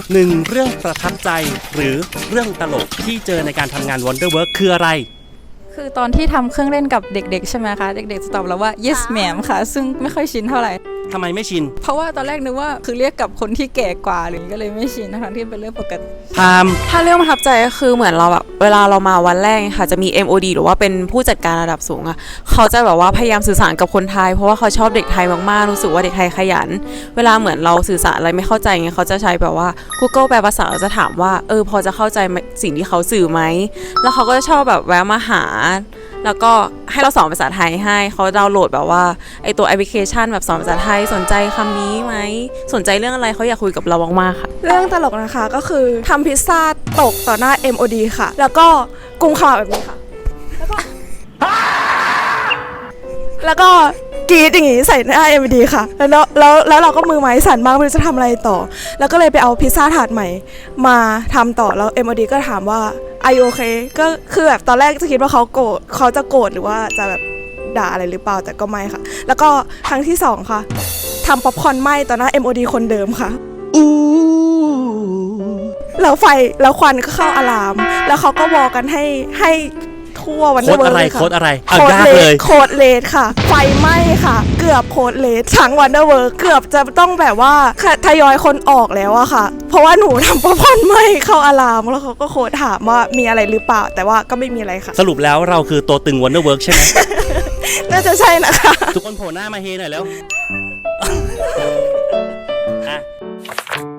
หนึ่งเรื่องประทับใจหรือเรื่องตลกที่เจอในการทำงาน Wonderwork คืออะไรคือตอนที่ทำเครื่องเล่นกับเด็กๆใช่ไหมคะเด็กๆจะตอบเราว่า yes ma'am ค่ะซึ่งไม่ค่อยชินเท่าไหร่ทำไมไม่ชินเพราะว่าตอนแรกนึกว่าคือเรียกกับคนที่แก่กว่าหรือก็เลยไม่ชินทั้งที่เป็นเรื่องปกติถ้าเรื่องประทับใจก็คือเหมือนเราแบบเวลาเรามาวันแรกค่ะจะมี MOD หรือว่าเป็นผู้จัดการระดับสูงอะเขาจะแบบว่าพยายามสื่อสารกับคนไทยเพราะว่าเขาชอบเด็กไทยมากๆรู้สึกว่าเด็กไทยขยันเวลาเหมือนเราสื่อสารอะไรไม่เข้าใจเงี้ยเขาจะใช้แบบว่า Google แปลภาษาจะถามว่าพอจะเข้าใจสิ่งที่เขาสื่อไหมแล้วเขาก็จะชอบแบบแวะมาหาแล้วก็ให้เราสอนภาษาไทยให้เขาดาวน์โหลดแบบว่าไอตัวแอปพลิเคชันแบบสอนภาษาไทยสนใจคำนี้ไหมสนใจเรื่องอะไรเขาอยากคุยกับเรามากๆค่ะเรื่องตลกนะคะก็คือทำพิซซ่าตกต่อหน้า MOD ค่ะแล้วก็กุมขมับแบบนี้ค่ะแล้วก็กรีดอย่างงี้ใส่หน้า MOD ค่ะแล้วเราก็มือไม้สั่นมากไม่รู้จะทำอะไรต่อแล้วก็เลยไปเอาพิซซ่าถาดใหม่มาทำต่อแล้ว MOD ก็ถามว่าAre you okay ก็คือแบบตอนแรกจะคิดว่าเขาจะโกรธหรือว่าจะแบบด่าอะไรหรือเปล่าแต่ก็ไม่ค่ะแล้วก็ครั้งที่2ค่ะทำป๊อปคอร์นไหม้ต่อหน้า MOD คนเดิมค่ะแล้วไฟแล้วควันก็เข้าอะลามแล้วเขาก็วอลกันให้ทั่ววันเดอร์เวิร์ค่ะโค้ดอะไรโค้ดเลดค่ะไฟไหม้ค่ะเกือบโค้ดเลดทั้งวันเดอร์เวิร์เกือบจะต้องแบบว่าทยอยคนออกแล้วอะค่ะเพราะว่าหนูทำป๊อปคอร์นไหม้เข้าอะลามแล้วเขาก็โค้ดถามว่ามีอะไรหรือเปล่าแต่ว่าก็ไม่มีอะไรค่ะสรุปแล้วเราคือตัวตึง Wonderwork ใช่ไหมน่าจะใช่นะคะทุกคนโผล่หน้ามาเฮหน่อยแล้ว